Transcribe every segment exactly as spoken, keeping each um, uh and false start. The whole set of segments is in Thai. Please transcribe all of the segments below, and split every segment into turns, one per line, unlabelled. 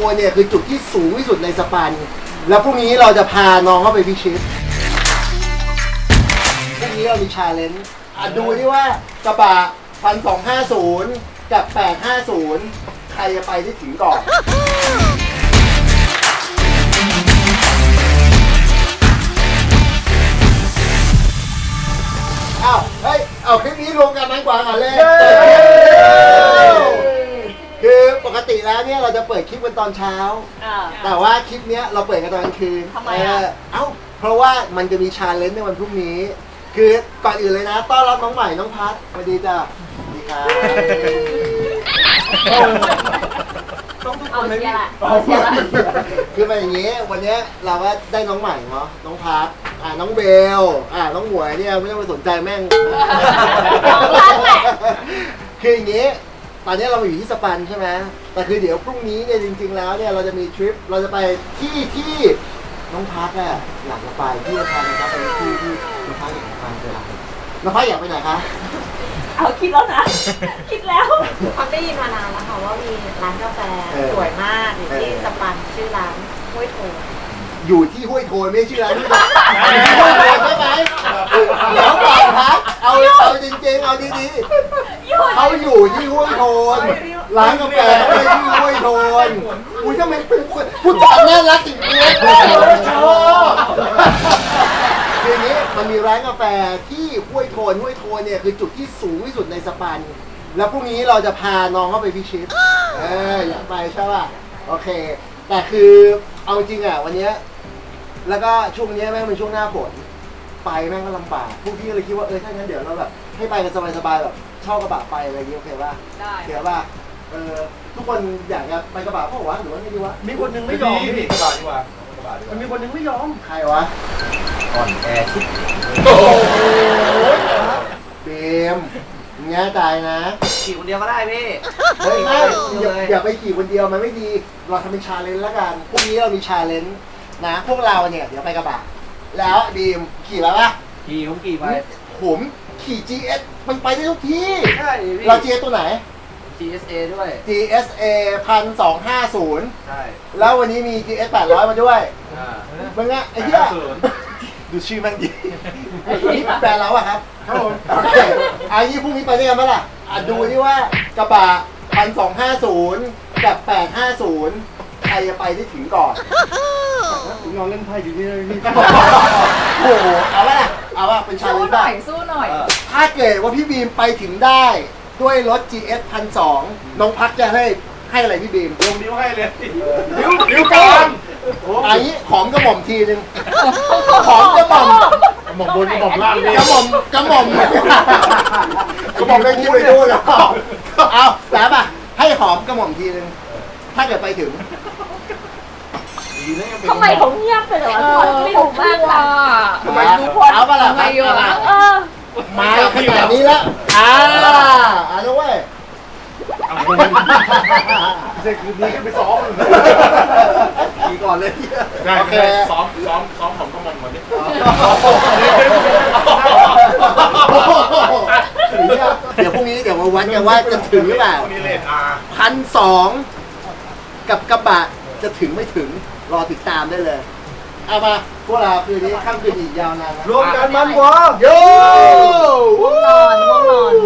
นเนี่ยคือจุดที่สูงที่สุดในสปันแล้วพรุ่งนี้เราจะพาน้องเข้าไปพิชิตพรุ่งนี้เรามีชาเลนจ์ดูที่ว่ากระบะพันสองห้าศูนย์กับแปดห้าศูนย์ใครจะไปที่ถึงก่อนอ้าวเฮ้ยเอาคลิปนี้รวมกันมันกว่ากันเลยคือปกติแล้วเนี่ยเราจะเปิดคลิปกันตอนเช้าแต่ว่าคลิปเนี้ยเราเปิดกันตอนกลางคืนทำไมอ่ะเอ้าเพราะว่ามันจะมีชาเลนจ์ในวันพรุ่งนี้คือก่อนอื่นเลยนะต้อนรับน้องใหม่น้องพัดสวัสดีจ้ะสวัสดีครับต้องทุกคนเลยพี่คือเป็นอย่างนี้วันนี้เราก็ได้น้องใหม่เนาะน้องพัดอ่าน้องเบลอ่าน้องหมวยเนี่ยไม่ต้องไปสนใจแม่งคืออย่างนี้ตอนนี้เราอยู่ที่สปันใช่ไหมแต่คือเดี๋ยวพรุ่งนี้เนี่ยจริงๆแล้วเนี่ยเราจะมีทริปเราจะไปที่ที่น้องพัดอ่ะอยากจะไปที่จะพานะครับไปที่ที่น้องพัดอยากจะไปเลยน้องพัดอยากไปไหนคะ
เอาคิดแล้วนะคิดแล้ว
พักได้ยินมานานแล้วค่ะว่ามีร้านกาแฟสวยมากอยู่ที่สปันชื่อร้านห้วยโถ
อยู่ที่ห้วยโทนไม่ชื่อร้านที่ห้วยโทนใช่ไหมเดี๋ยวก่อนครับเอาเอาจริงๆเอาดีๆเขาอยู่ที่ห้วยโทนร้านกาแฟไม่ใช่ที่ห้วยโทนอุ้ยทำไมเป็นคนพูดจาน่ารักจริงๆชอบทีนี้มันมีร้านกาแฟที่ห้วยโทนห้วยโทนเนี่ยคือจุดที่สูงที่สุดในสปันแล้วพรุ่งนี้เราจะพาน้องเข้าไปพิชิตเอออยากไปใช่ป่ะโอเคแต่คือเอาจริงอ่ะวันนี้แล้วก็ช่วงนี้แม่งเป็นช่วงหน้าฝนไปแม่งก็ลำบากพวกพี่ก็เลยคิดว่าเออถ้างั้นเดี๋ยวเราแบบให้ไปกันสบายๆแบบเช่ากระบะไปอะไรอย่างเงี้ยโอเคป่ะได้เดี๋ยวป่ะเออทุกคนอยากจะไปกระบะเพราะว่าหรือว่าไม่ดีวะ
มีคนนึงไม่ยอมพี่กระบะดีกว่ามันมีคนนึงไม่ยอม
ใครวะ
อ่อนแอชิบ
โอ้โหเบมแง่ใจนะ
ขี่คนเดียวก็ได้พี่
เฮ้ยไม่อย่าอย่าไปขี่คนเดียวมันไม่ดีเราทำเป็นชาเลนจ์แล้วกันพรุ่งนี้เรามีชาเลนจ์นะพวกเราเนี่ยเดี๋ยวไปกระบะแล้วดีมขี่แล้วปะ
ขี่ผมขี่ไป
ผมขี่ จี เอส มันไปได้ทุกที่
ใช่พี่
เรา จี เอส ตัวไหน
จี เอส เอ ด้วย
จี เอส เอ หนึ่งพันสองร้อยห้าสิบ
ใช่
แล้ววันนี้มี จี เอส แปดร้อยมาด้วยอ่ามึงอะไอ้เหี้ยดูชื่อมันดีนี่แฟนเราอะครับครับผมโอเคอันนี้พรุ่งนี้ไปได้กันไหมล่ะอ่ะดูที่ว่ากระบะหนึ่งพันสองร้อยห้าสิบกับแปดห้าสิบใครจะไปที่ถึงก่อน
นอนเล่นไพ่อยู่นี่นี่
โอ้โหเอาละเอาว่าเป็นชาเลนจ์ได้
สู้หน่อย
ถ้าเกิดว่าพี่บีมไปถึงได้ด้วยรถ จี เอส หนึ่งพันสองร้อย น้องพักจะให้ให้อะไรพี่บีม
ลงนิ้วให้เลยนิ้วนิ้วกลาง
อันนี้หอมกระหม่อมทีนึงหอมกระหม่อม
กระหม่อมบนกระหม่อมล่าง
กระหม่อมกระหม่อมกระหม่อมได้คิดไปดูแล้วเอาแล้วป่ะให้หอมกระหม่อมทีนึงถ้าเกิดไปถึง
ทำไมเขาเงียบไปเลยวะไม่ถูกมากล่ะ
ทำไมทุกคนเอาปะล่ะ
ทำไมอยู่ล่ะ
มาขนาดนี้แล้วอ่าอ่าแล้วเว้ย
เด็กดีขึ้นไปซ้อม
ขี่ก่อนเลย
โอเคซ้อมซ้อมซ้อมผมก็มองก่อนดิ
เดี๋ยวพรุ่งนี้เดี๋ยวมาวัดกันว่าจะถึงหรือเปล่าพันสองกับกระบะจะถึงไม่ถึงรอติดตามได้เลยเอามาพวกเราคืนนี้ค่ำคืนอีกยาวนาน
รวมกันมันวะ
โย่
ง่วงนอนง่วงนอน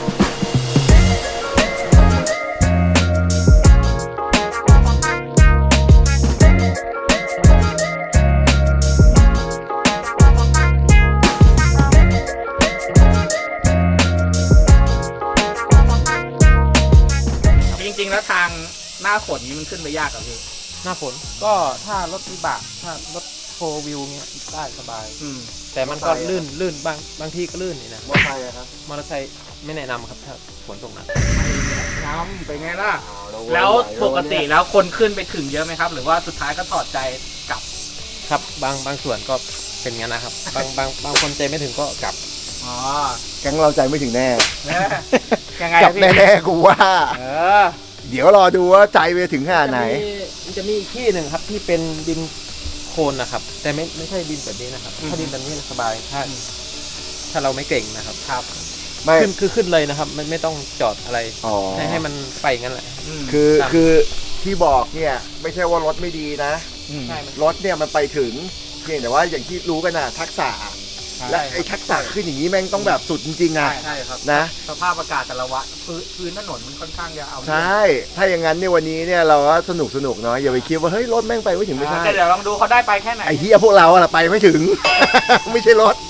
จริงๆแล้วทางหน้าฝนนี้มันขึ้นไปยากกับพี่
หน้าฝนก็ถ้ารถวิบากถ้ารถโฟวิวเงี้ยได้สบายอืมแต่มันก็ลื่นลื่นบางบางที่ก็ลื่นนี่นะ
มอเตอร์ไซค์ครับ
มอเตอร์ไซค์ไม่แนะนำครับถ้าฝนตกหนัก
น้ำเป็นไงล่ะแล้วปกติแล้วคนขึ้นไปถึงเยอะไหมครับหรือว่าสุดท้ายก็ถอดใจกลับ
ครับบางบางส่วนก็เป็นงั้นนะครับบางบางบางคนใจไม่ถึงก็กลับ
อ๋อ
แก๊งเราใจไม่ถึงแน่
ยังไง
กลับแน่ๆกูว่า
เออ
เดี๋ยวรอดูว่าใจไปถึงขนาดไหน
มันจะมีอีกที่หนึ่งครับที่เป็นดินโคลนนะครับแต่ไม่ไม่ใช่ดินแบบนี้นะครับถ้าดินแบบนี้สบายถ้าถ้าเราไม่เก่งนะครับ
ครับ
ไม่ขึ้นคือขึ้นเลยนะครับมันไม่ต้องจอดอะไรให้ให้มันไปงั้นแหละ
คือคือที่บอกเนี่ยไม่ใช่ว่ารถไม่ดีนะ
ใช่
รถเนี่ยมันไปถึงเพียงแต่ว่าอย่างที่รู้กันนะทักษะและไอ้ทักษะขึ้นอย่างนี้แม่งต้องแบบสุดจริงๆอ่ะ
ใช่ครับ
นะ
สภาพอากาศแต่ละวันพื้นพื้นถนนมันค่อนข้างจะเอา
ใช่ ถ้าอย่างนั้นเนี่ยวันนี้เนี่ยเราก็สนุกสนุกเนาะอย่าไปคิดว่าเฮ้ยรถแม่งไปไม่ถึงไม่ใช่
แต่เดี๋ยวลองดูเขาได้ไปแค่ไหน
ไอ้เฮียพวกเราอะไปไม่ถึง ไม่ใช่รถ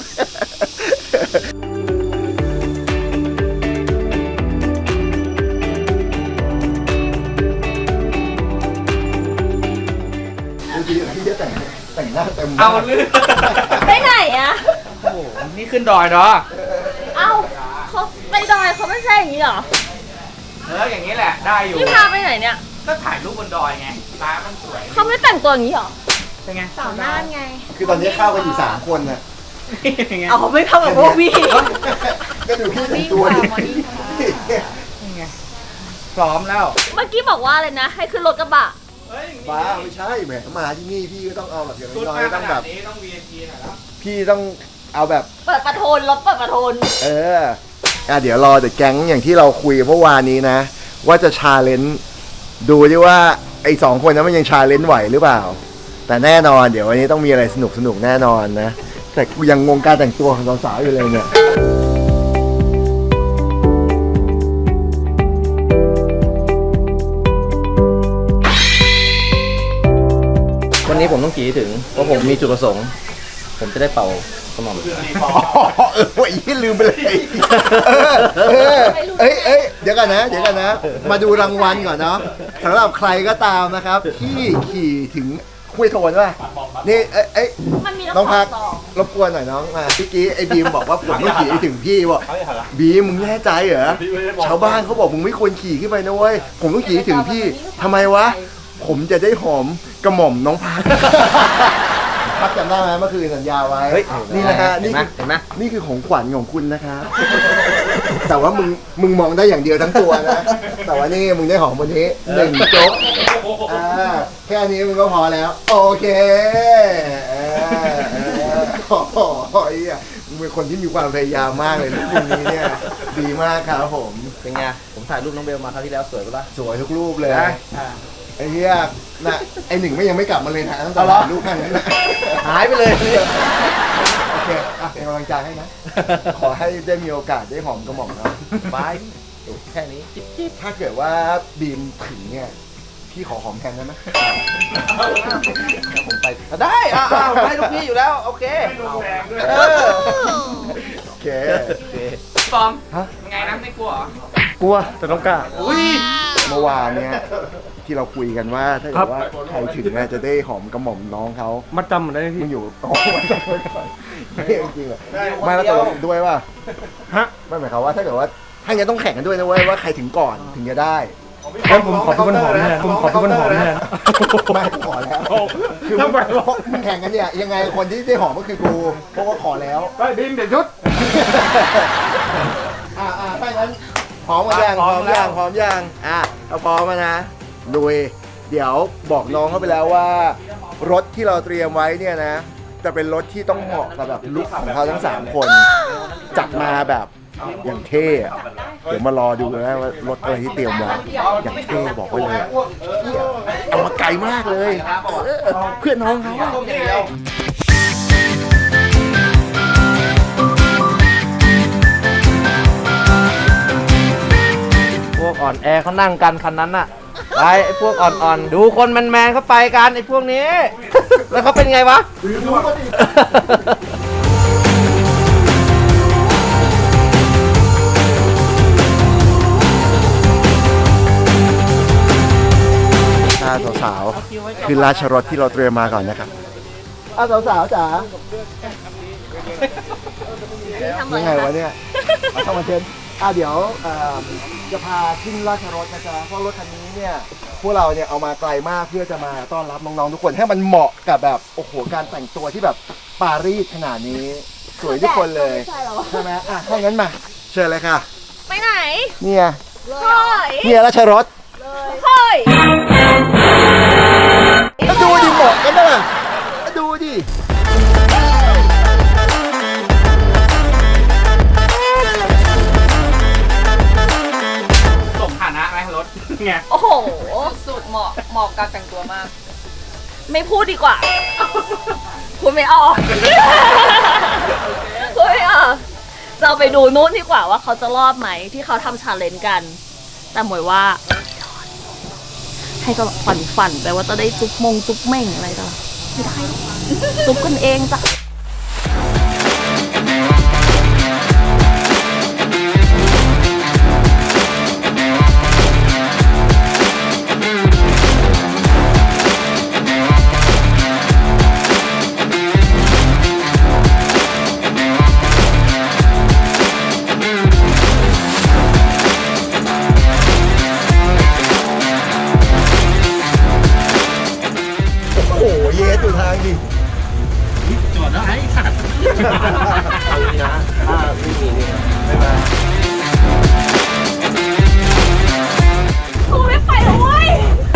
จริงๆพี่จะแต่งแต่งหน้าเต็ม
เอาลื่น
ไปไหนอะ
โอ้โหนี่ขึ้นดอยเนาะ
เอ้าเขาไปดอยเขาไม่ใช่อย่างนี้เหรอ
เอออย่างนี้แหละได้อยู่
พี่พาไปไหนเนี่ย
ก็ถ่ายรูปบนดอยไงร้านมันสวย
เขาไม่แต่งตัวอย่างนี้เหรอ
เป็นไง
สาวน่านไง
คือตอนนี้เข้ากันอยู่สามคนน่ะ
เป็นไง
เอาไม่เข้ากับพวกพี่
ก็ดูพี่แต่งตัวดิ
เป็นไงพร้อมแล้ว
เมื่อกี้บอกว่าอะไรนะ ให้ขึ้นรถกระบะ
เฮ้ย
บ้าไม่ใช่แหมมาที่นี่พี่ก็ต้องเอาแบบอย่าง
ชุด
น้อ
มาย
ๆ
ข
ต้อง
นา
แบ
ด
บ
นี้ต้อง วี ไอ พี หน่อยแล้ว
พี่ต้องเอาแบบ
เปิดประโทนรถเปิดประโทน
เอออ่ะเดี๋ยวรอเดี๋ยวแก๊งอย่างที่เราคุยเมื่อวานนี้นะ ว่าจะชาเลนจ์ดูดิว่าไอ้สองคนนั้นมันยังชาเลนจ์ไหวหรือเปล่า แต่แน่นอนเดี๋ยววันนี้ต้องมีอะไรสนุกสนุกๆแน่นอนนะ แต่กูยังงงการแต่งตัวของสาวๆอยู่เลยเนี่ย
วันนี้ผมต้องขี่ให้ถึงเพราะผมมีจุดประสงค์ ผมจะได้เป่ากระหม่อม
อ๋อเออว่าอีลืมไปเลยเออเออเอ้ยเอ้ยเดี๋ยวกันนะ เดี๋ยวกันนะ มาดูรางวัลก่อนเนาะสำหรับใครก็ตามนะครับ ที่ขี่ถึงคุยโทนป่ะนี่เอ้ยเอ้ย
มันมี
น้องพัก
สอง
รบกวนหน่อยน้องมาเมื่อกี้ไอ้บีมบอกว่าผมต้องขี่ให้ถึงพี่บอกบีมมึงแน่ใจเหรอชาวบ้านเขาบอกมึงไม่ควรขี่ขึ้นไปนะเว้ยผมต้องขี่ให้ถึงพี่ทำไมวะผมจะได้หอมกระหม่อมน้องพัก พักจำได้ไหมเมื่อคืนสัญญาไว้
เฮ้ย
นี่นะฮะ
เห็
นี่
นไหม
คือ
เห็นไหม
นี่คือของขวัญของคุณนะครับ แต่ว่ามึงมึงมองได้อย่างเดียวทั้งตัวนะ แต่ว่านี่มึงได้หอมวันนี้หนึ่งโจ๊กอ่าแค่นี้มึงก็พอแล้ว โอเคเออเออโอ้โหไอ้เหี้ยมึงเป็นคนที่มีความพยายามมากเลยนะคุณนี้เนี่ยดีมากครับผม
เป็นไง ผมถ่ายรูปน้องเบลมาคราวที่แล้วสวยปะล่ะ
สวยทุกรูปเลย
นะ
ไอ้เหี้ยน่ะไอ้หนึ่งไม่ยังไม่กลับมาเลยนะตั้งแต่
เอาเหรอ
ถ่ายรูปแค่นั้นนะ
หายไปเลย
โอเคอ่ะเป็นกำลังใจให้นะ ขอให้ได้มีโอกาสได้หอมกระหม่อมเนาะ
บายแค่นี้จิ๊บจิ๊บ
ถ้าเกิดว่าบีมถึงเนี่ย พี่ขอหอมแทนได้ไหม
ผมไปได้อ่าผมให้ลูกพี่อยู่แล้ว โอเคเออ
โอเค
โอเค
ฟอร์ม
ฮะ
ยังไงนะไม่กลัวเหรอ
กลัวแต่ต้องกล้า
อุ้ย
เมื่อวานเนี่ยที่เราคุยกันว่าถ้าเกิดว่าใครถึงเนี่ยจะได้หอมกระหม่อมน้องเขา
มัดจำมันได้
มึ
ที่
งอยู่โอ้ยจำไว้ก่อนไม่จริงเหรอไม่แล้วตกลงด้วยว่า
ฮะ
ไม่หมายความว่าถ้าเกิดว่าถ้าอย่างนี้ต้องแข่งกันด้วยนะเว้ยว่าใครถึงก่อนถึงจะได้
งั้นผมขอพี่บนหอมแทนผมขอพี่บนหอมแทน
ไม่ขอแล้วคือ
ทำไมวะ
มึงแข่งกันเนี่ยยังไงคนที่ได้หอมก็คือกูเพราะว่าขอแล้ว
ไปบินเดี๋ยวชุด
อ่าอ่าถ้างั้นพร้อมกันยังพร้อมยังพร้อมยังอ่ะเอาพร้อมมานะลุยเดี๋ยวบอกน้องเขาไปแล้วว่า รถที่เราเตรียมไว้เนี่ยนะ จะเป็นรถที่ต้องเหมาะกับแบบลุคของเขาทั้งสามคนจัดมาแบบอย่างเท่อะเดี๋ยวมารอดูนะว่ารถอะไรที่เตรียมไว้อย่างเท่บอกไว้เลยอะเหี้ยเอามาไกลมากเลยเออเพื่อนน้องเขาอะ
พวกอ่อนแอเขานั่งกันคันนั้นน่ะ ไปไอ้พวกอ่อนๆ ดูคนแมนๆเขาไปกันไอ้พวกนี้ แล้วเขาเป็นไงวะ
ถ้าสาวๆคือราชรถที่เราเตรียมมาก่อนนะครับอ้าวสาวๆจ๋า
ทำอะไร
ยังไง
คะ
วะเนี่ยเอาเข้ามาเชิญอ่ะเดี๋ยวเอ่อจะพาขึ้นราชรถนะจ๊ะเพราะรถคันนี้เนี่ยพวกเราเนี่ยเอามาไกลมากเพื่อจะมาต้อนรับน้องๆทุกคนให้มันเหมาะกับแบบโอ้โหการแต่งตัวที่แบบปารีสขนาดนี้ สวยทุกคนเลย
ใช่เหรอ
ใช่ไหมอ่ะถ้างั้นมาเชิญเลยค่ะ
ไปไหน
เนี่ย
เฮ้ย
เนี่ยราชรถ
เฮ้ย
แล้วดูดิเหมาะกันนะแล้วดูดิ
ส่งฐานะไหมรถไง
โอ้โห
สุดเหมาะเหมาะกับการแต่งตัวมาก
ไม่พูดดีกว่า พูดไม่ออกพูดไม่ออกเราไปดูนู้นดีกว่าว่าเขาจะรอดไหมที่เขาทำชาเลนจ์กัน แต่หมวยว่า ให้ก็ฝันฝันๆไปว่าจะได้จุ๊บมงจุ๊บเม่งอะไรต่อไม่ได้หรอกจุ๊บกันเองจ้ะ
โอ้โหเยสอยู่ทางดิ
จอดแล้วไอ้สัตว์
เอาดีนะถ้าไม่มีนี่ไม่มา
กูไม่ไปแล้วเว้ย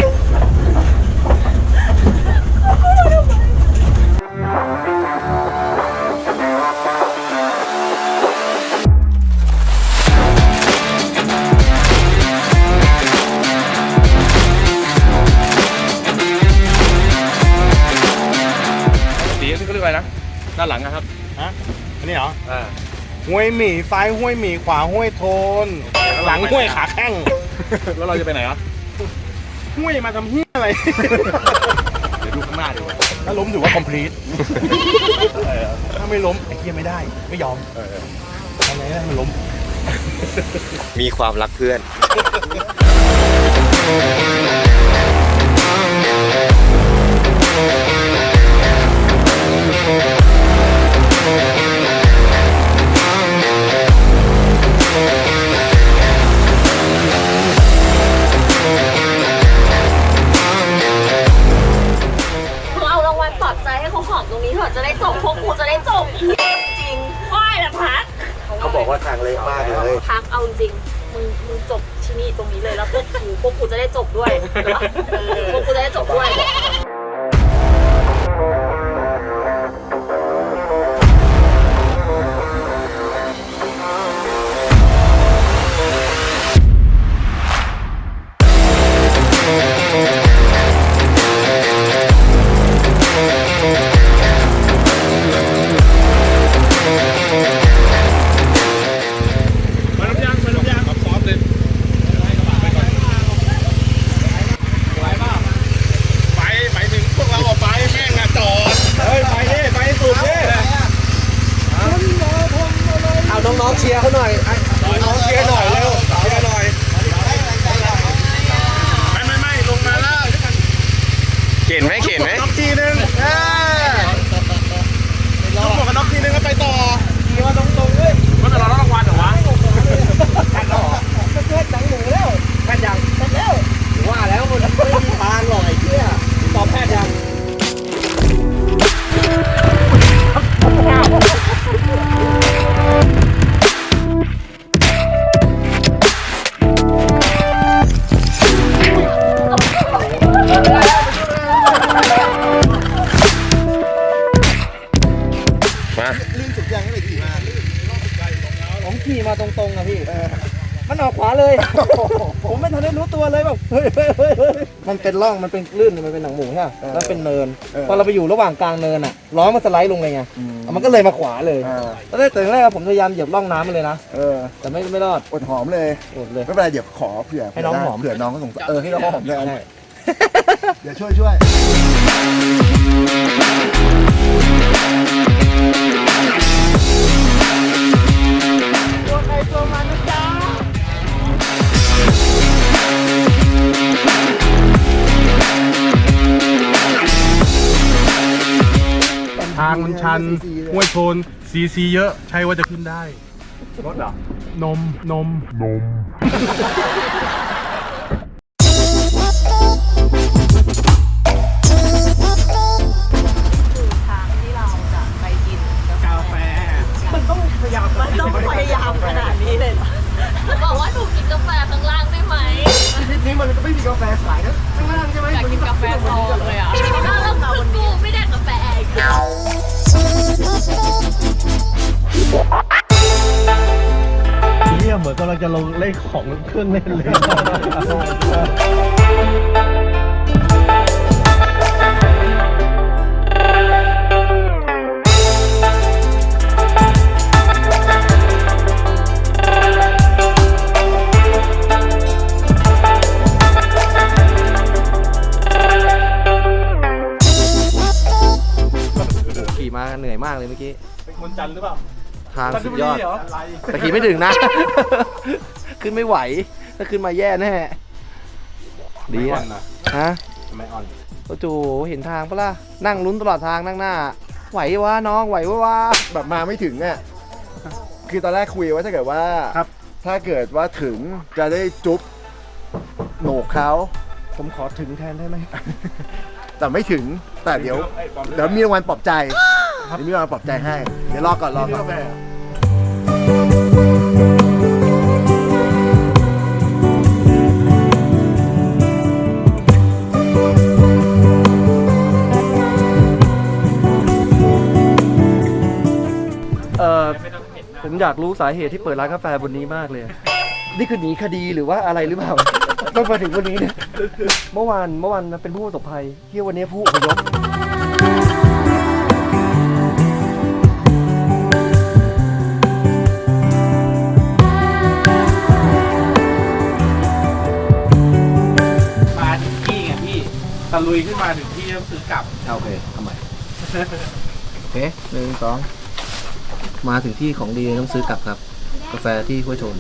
สีนี่เขาเรียกอะไรนะด้านหลังนะครับ
ฮะอันนี้เหรอ
อ่า
ห้วยหมี่ซ้ายห้วยหมี่ขวาห้วยโทน หลังห้วยขาแข้ง
แล้วเราจะไปไหนอ่ะ
ห้วยมาทำเฮี้ยอะไร
เดี๋ยวดูข้างหน้าดีกว่า
ถ้าล้มถือว่า complete ถ้าไม่ล้มไอ้เฮี้ยไม่ได้ ไม่ยอมทำไงได้มันล้ม
มีความรักเพื่อน
มึงเอารางวัลปลอบใจให้เขาหอมตรงนี้เถอะจะได้จบพวกกูจะได้จบจริงไหว้ละพัก
เขาบอกว่าทางเละมากเลย
พักเอาจริงมึงมึงจบที่นี่ตรงนี้เลยแล้วพวกกูพวกกูจะได้จบด้วยเออพวกกูจะได้จบด้วย
มาลำยางมาลำยางครับซอฟเลย
ไปไปถึงพวกเราออกไปแม่งอะจอด เฮ้ย ไปดิไปสุดดิ
เอาน้องๆเชียร์เขาหน่อย
น้องเชียร์หน่อยเร็วเชียร์หน่อย ไม่ไม่ไม่ลงมาแล้ว
เข็นไหมเข็นไหม
น็อกทีนึงเออลงหมวกกันน็อกทีนึงแล้วไปต่อ
ว่าแต่เราต้องรางวัลเหรอวะ
ว่าแล้วมันไม่มีทางหรอกไอ้เหี้ยตอบแพทย์ยัง มา
ลื่นสุดยังไม่ได้ขี่มา
ผมขี่มาตรงๆอะพี่ มันออกขวาเลย ผมไม่ทันได้รู้ตัวเลยแบบเฮ้ยเฮ้ยเฮ้ยเฮ้ยมันเป็นร่อง มันเป็นลื่น มันเป็นหนังหมูใช่ไหมแล้วเป็นเนิน พอเราไปอยู่ระหว่างกลางเนินอะล้อมันสไลด์ลงเลยไง มันก็เลยมาขวาเลยตอนแรกแต่แรกผมพยายามเหยียบร่องน้ำมันเลยนะ
เออ
แต่ไม่ไม่รอด
อดหอมเลย
อดเลย
ไม่เป็นไรเดี๋ยวขอเผื่อ
ให้น้องหอม
เผื่อน้องก็สงสารเออให้น้องหอมเลย
ใช่
เดี๋ยวช่วยช่วย
ทางมันชันห้วยโทนซีซีเยอะ ใช่ว่าจะขึ้นได้
รถเหรอ
นม นม นม
ทางที่เราจะไปกิน
กาแฟ
มันต้องพยายามมันต้องพยายามขนาดนี้เลยเหรอ
บอกว่าหนูกินกาแฟข้างล่างได้ไหม
นี่มันก็ไม่มีกาแฟขายนะข้างล่างใช่ไหม
อยากกินกาแฟซองเลยอ่ะ
อ้าวแล้วคือกูไม่ได้กาแฟอีก
เยี่ยมเหมือน
มือนกำลังจะลงเล่นของเครื่องเล่นเลย
ขี่มาเหนื่อยมากเลยเมื่อกี้
เป็นคนจันทร์หรือเปล่า
ทางสุดยอด
เหรอ
แต่ขี่ไม่ถึงนะ ขึ้นไม่ไหว ถ้าขึ้นมาแย่แน่ ดีอะฮะ
ทำไมอ่อน
โอ้โหเห็นทางปะล่ะ นั่งลุ้นตลอดทางนั่งหน้า ไหววะน้องไหววะวะ
แบบมาไม่ถึงเนี่ยคือตอนแรกคุยว่าถ้าเกิดว่า
ครับ
ถ้าเกิดว่าถึงจะได้จุ๊บโหนกเขา
ผมขอถึงแทนได้ไหม
แต่ไม่ถึงแต่เดี๋ยวเดี๋ยวมีรางวัลปลอบใจเดี๋ยวมีรางวัลปลอบใจให้เดี๋ยวรอก่อนรอก่อน
เออผมอยากรู้สาเหตุที่เปิดร้านกาแฟบนนี้มากเลย นี่คือหนีคดีหรือว่าอะไรหรือเปล่า ต้องมาถึงวันนี้เนี่ย เมื่อวานเมื่อวานเป็นผู้ประสบภัยที่วันนี้ผู้อพยพ
มาถึงที่ไงพี่ตะลุยขึ้นมาถึงที่ต้องซื้อกลับ
โอเคทำไมโอเคหนึ่งสองมาถึงที่ของดีต้องซื้อกลับครับ กาแฟที่ห้วยโทน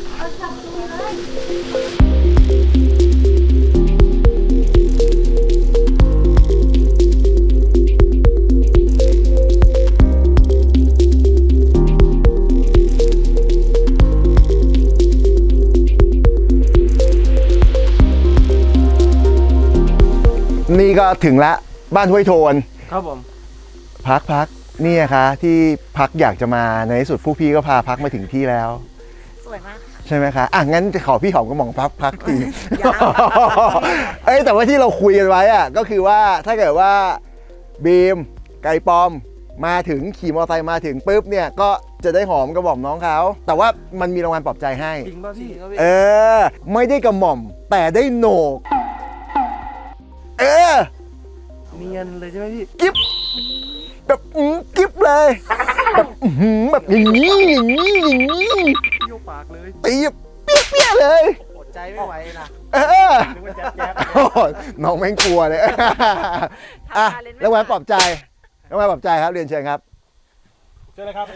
นี่ก็ถึงละบ้านห้วยโทน
ครับผม
พักพักนี่นะคะที่พักอยากจะมาในที่สุดผู้พี่ก็พาพักมาถึงที่แล้ว
สวยมาก
ใช่ไหมคะอ่ะงั้นจะขอพี่หอมกระหม่อมพักพักทีเอ้ยแต่ว่าที่เราคุยกันไว้อะก็คือว่าถ้าเกิดว่าบีมไก่ปอมมาถึงขี่มอเตอร์ไซค์มาถึงปุ๊บเนี่ยก็จะได้หอมกระหม่อมน้องเขาแต่ว่ามันมีรางวัลปลอบใจให้
จริงป่ะพี่
เออไม่ได้กระหม่อมแต่ได้โหนกเออ
เนียนเลยใช่ไหมพี่
กิ๊บแบบอื้อกิ๊บเลยแบบอื้อหือแบบอย่างนี้อย่างนี้อย่างนี้
เยี่ยวปากเลย
ตีแบบเปี้ยๆเลย
อดใจไม่ไหวนะ
เออโอ้โหน้องแม่งกลัวเลยอ่ะแล้วแหวนปลอบใจแล้วแหวนปลอบใจครับเรียนเชิญครับ
เจอเลยครับ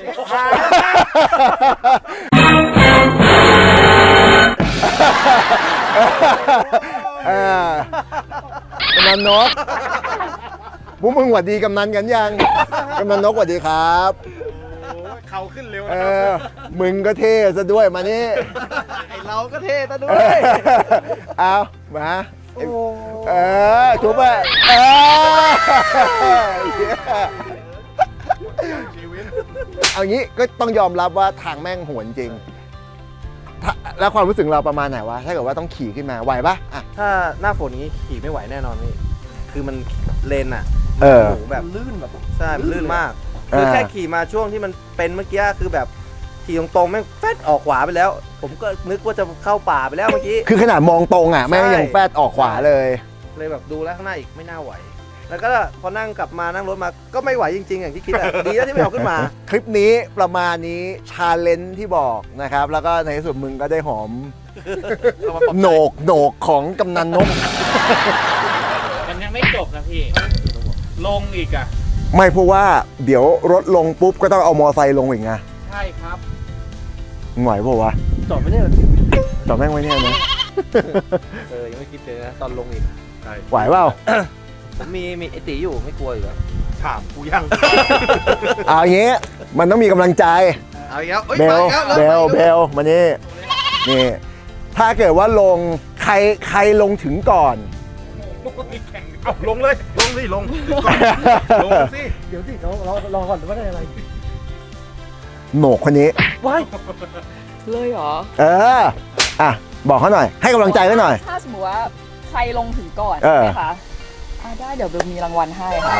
เออกำนันนกพวกมึงหวัดดีกำนันกันยังกำนันนกหวัดดีครับ
เขาขึ้นเร็ว
เอ
นะครับ
อมึงก็เท่ซะด้วยมานี่
ไอเราก็เท่ซะด้
เอ
วย
อเอามาเออทุบอ่ะเออเอางี้ก็ต้องยอมรับว่าทางแม่งโหดจริงถ้าแล้วความรู้สึกเราประมาณไหนวะถ้าเกิดว่าต้องขี่ขึ้นมาไหวปะอ่ะ
ถ้าหน้าฝนนี้ขี่ไม่ไหวแน่นอนพี่คือมันเลนอะ
เออ
หนูแบบลื่นแบบใช่มันลื่นมาก
เออ
คือแค่ขี่มาช่วงที่มันเป็นเมื่อกี้คือแบบขี่ตรงๆแม่งแฟดออกขวาไปแล้ว ผมก็นึกว่าจะเข้าป่าไปแล้วเมื่อกี้
คือขนาดมองตรงอ่ะแม่งยังแฟดออกขวาเลย
เลยแบบดูแล้วข้างหน้าอีกไม่น่าไหว แล้วก็พอนั่งกลับมานั่งรถมาก็ไม่ไหวจริงๆอย่างที่คิดอะดีแล้วที่ไม่เอาขึ้นมา
คลิปนี้ประมาณนี้ชาเลนจ์ที่บอกนะครับ แล้วก็ในที่สุดมึงก็ได้หอมโหนกโหนกของกำนันนก
มันยังไม่จบนะพี่ ลงอีกอ่ะ
ไม่เพราะว่าเดี๋ยวรถลงปุ๊บก็ต้องเอามอไซค์ลงอีกไง
ใช่ครับ
มึงไหวเปล่าวะ
จอดไม่ได้เหรอ
จอดแม่งไว้เนี่ยนะ
เออยังไม่คิดเลยนะตอนลงอีก
ไหวเปล่า
ผมมีมีไอตีอยู่ไม่กลัวอยู่แล้ว
ถามกูยัง
เอาอย่างงี้มันต้องมีกำลังใจ
เอาอีกแล้วอ้ย
เบล
มาอีกแล้ว
เบล
มาอีก
เบ
แล้ว
ลมานี่นี่ ถ้าเกิดว่าลงใครใครลงถึงก่อน
เอาลงเลย ลงสิ ลงก่อนลงสิ
เดี๋ยวสิเราเรารอก่อนว่าได้อะไร
โหนกคนนี้
ว้าย
เลยเหรอ
เออ อ่ะ บอกเขาหน่อย ให้กำลังใจเขาหน่อย
ถ้าสมมติว่าใครลงถึงก่อน
เออ
ใช่ไหมคะอ่าได้เดี๋ยวเบลมีรางวัลให้ค่ะ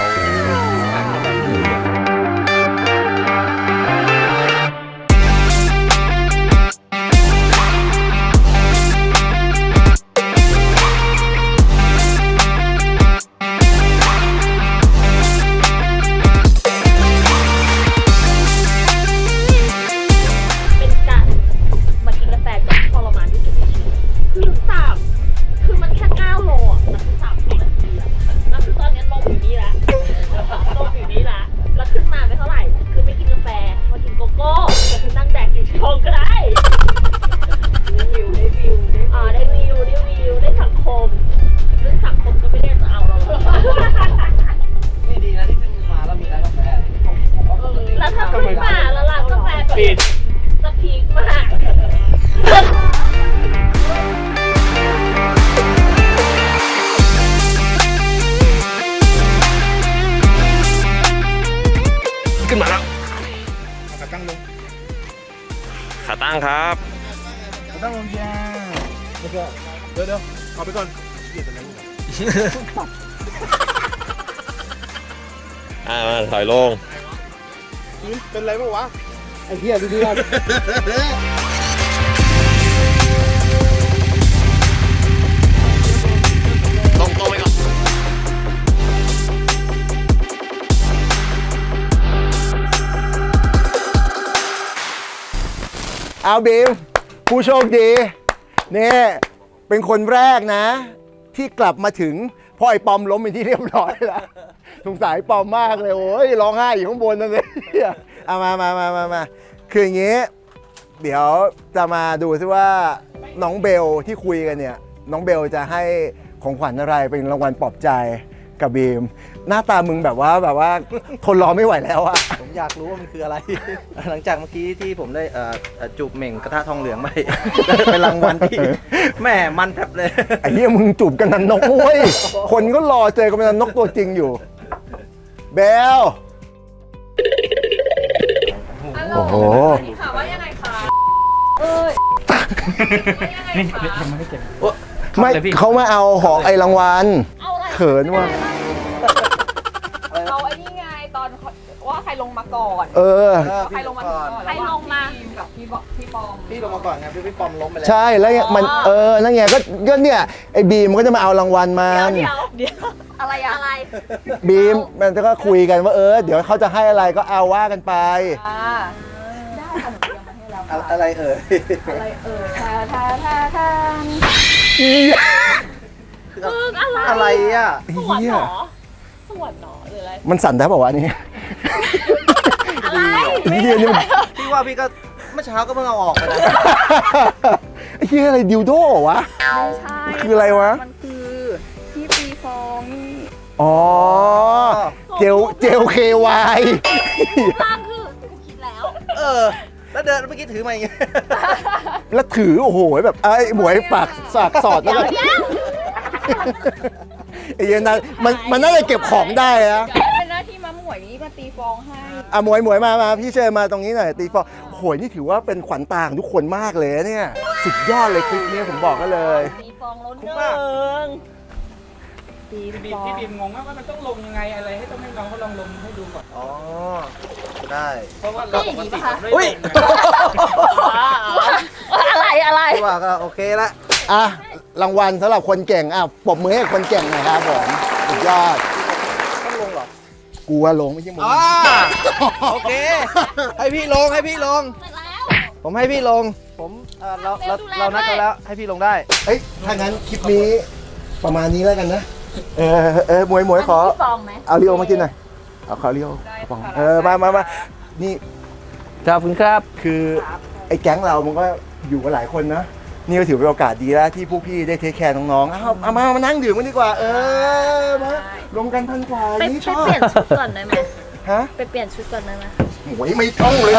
างครับ
ต้องลงยาแล้วก็เดี๋ยวเดี๋ยวเอาไปก่อนเกียดอะไร
อ่ามาถอยลง
เป็นไรบ้างวะ
ไอ้เหี้ยดูดิว่า
ตรงตรงไปก่อน
เอาบีมผู้โชคดีเนี่ยเป็นคนแรกนะ ที่กลับมาถึงเพราะไอ้ปอมล้มเป็นที่เรียบร้อยแล้วสงสารไอ้ปอมมากเลยโอ้ยร้องไห้อยู่ข้างบนนั่นเลยเอามามามามามาคืออย่างงี้ เดี๋ยวจะมาดูซิว่าน้องเบลที่คุยกันเนี่ยน้องเบลจะให้ของขวัญอะไรเป็นรางวัลปลอบใจกับบีมหน้าตามึงแบบว่าแบบว่าทนรอไม่ไหวแล้วอะ
ผมอยากรู้ว่ามันคืออะไร หลังจากเมื่อกี้ที่ผมได้เอ่อเอ่อจูบเหม่งกระทะทองเหลืองไป เป็นรางวัลที่แม่มันแทบเลย
ไอ้เหี้ยมึงจูบกันนันนกเว้ยคนก็รอเจอกันนันนกตัวจริงอยู่เบลโอ้โห
ค่ะว่ายังไงคะ เอ้ยว่ายังไงคะ
ไม่เขามาเอาของไอ้รางวัล
เอาอะไร
เขินว่ะ
เอาไอ้นี่ไงตอนว่าใครลงมาก่อน
เออ
ใครลงมาก่อน
ใครลงมา
พี่บีมกับพี่บอพี่ปอม
พี่ลงมาก่อนไงพี่พี่ปอมล้มไปแล้ว
ใช่แล้วเนี่ยมันเออนั่นไงก็ก็เนี่ยไอ้บีมมันก็จะมาเอารางวัลมา
เดี๋ยวเดี๋ยวอะไรอะอะไร
บีมมันก็คุยกันว่าเออเดี๋ยวเขาจะให้อะไรก็เอาว่ากันไป
อ่าได้ค่ะหนูเตรียมมาให้แล้วค่ะ
อะไรเอ่ย
อะไรเอ่ยทาทาทาทา
มึงอะไร
อะไรอ่ะ
สวนเหรอสวนเหรอหรืออะไร
มันสั่นได้ป่าวะนี่
อะไร
นี่เดียวนี่มัน
พี่ว่าพี่ก็เมื่อเช้าก็เพิ่งเอาออกไปนะ
ไอ้เหี้ยอะไรดิวโดเหรอวะ
ไม่ใช่
คืออะไรวะ
มันคือที่ตีฟองนี่
อ๋อเจลเจลเควาย
ล่างคือกูคิดแล้ว
เออ แล้วเดินเมื่อกี้ถือมาอย่างเงี้ย
แล้วถือโอ้โหแบบไอ้หมวยปากสากสอดแล้วก็ไอ้เหี้ยนั่นมันมันน่าจะเก็บของได้นะ
เดี๋ยวให้เป็นหน้าที่มาหมวยนี้มาตีฟองให้
อ่ะหมวยหมวยมามาพี่เชิญมาตรงนี้หน่อยตีฟองโอ้โหนี่ถือว่าเป็นขวัญตาของทุกคนมากเลยนะเนี่ยสุดยอดเลยคลิปนี้ผมบอกก็เลย
ตีฟองล้น
คุ้
เนื
มมาก
องตี
พี่บี
ฟ
ม
อง
พี่บีมงงว่ามันต้องลงยังไงอะไรให้ต้องให้น้องเขาลองลงให้ดูก่อน
อ๋อ ได้
เพราะว่าเราปกติเราไม่
อุ้ย
อะไรอะไร
พี่ว่าก็โอเคละ
อ่ะรางวัลสำหรับคนเก่งอ่ะปรบมือให้คนเก่งหน่อยครับผมสุดยอด
ต้องลงเหรอ
กูว่าลงไม่ใช่มึง
อ่าโอเค ให้พี่ลงให้พี่ลง
เสร็จแล้ว
ผมให้พี่ลง ผมเอ่อเราเราเรานัดกันแล้วให้พี่ลงได้
เอ้ยถ้างั้นคลิปนี้ประมาณนี้แล้วกันนะเออเออหมวยหมวยขอ
ฟองไหม
เอาเรียวมากินหน่อยเอาขอเรียวกระป๋องเออมามามานี่
ขอบคุณครับ
คือไอ้แก๊งเรามันก็อยู่กันหลายคนนะนี่ก็ถือเป็นโอกาสดีแล้วที่พวกพี่ได้เทคแคร์น้องๆเอาเอามามานั่งดื่มกันดีกว่า เออมาลงกันพันกว่า
ไป
นี่
ไป
ชอบ
เปลี่ยนชุดก่อนได้ไหม
ฮะ
ไปเปลี่ยนชุดก่อนได้ไหม
โอ้ยไม่ต้องเลยนะ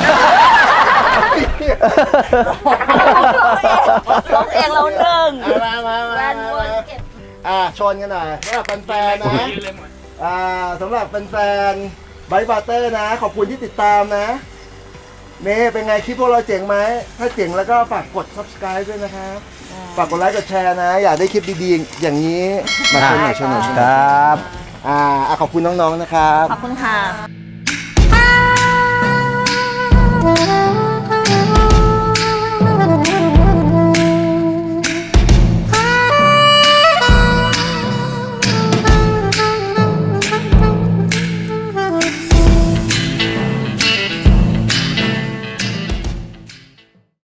ร้องเองเราหนึ่ง
มามามา
แวน
มา
เวิร์นเก็บ
อ่าชนกันหน่อยสำหรับแฟนๆนะอ่าสำหรับแฟนๆไบต์บาร์เตอร์นะ ขอบคุณที่ติดตามนะเน่เป็นไงคลิปพวกเราเจ๋งไหมถ้าเจ๋งแล้วก็ฝากกด subscribe ด้วยนะครับ ฝากกดไลค์กดแชร์นะ อยากได้คลิปดีๆ อย่างนี้ มาชมหน่อยชมหน่อยชมหน่อยครับ อ่าอ่ะขอบคุณน้องๆนะครับ
ขอบคุณค่ะ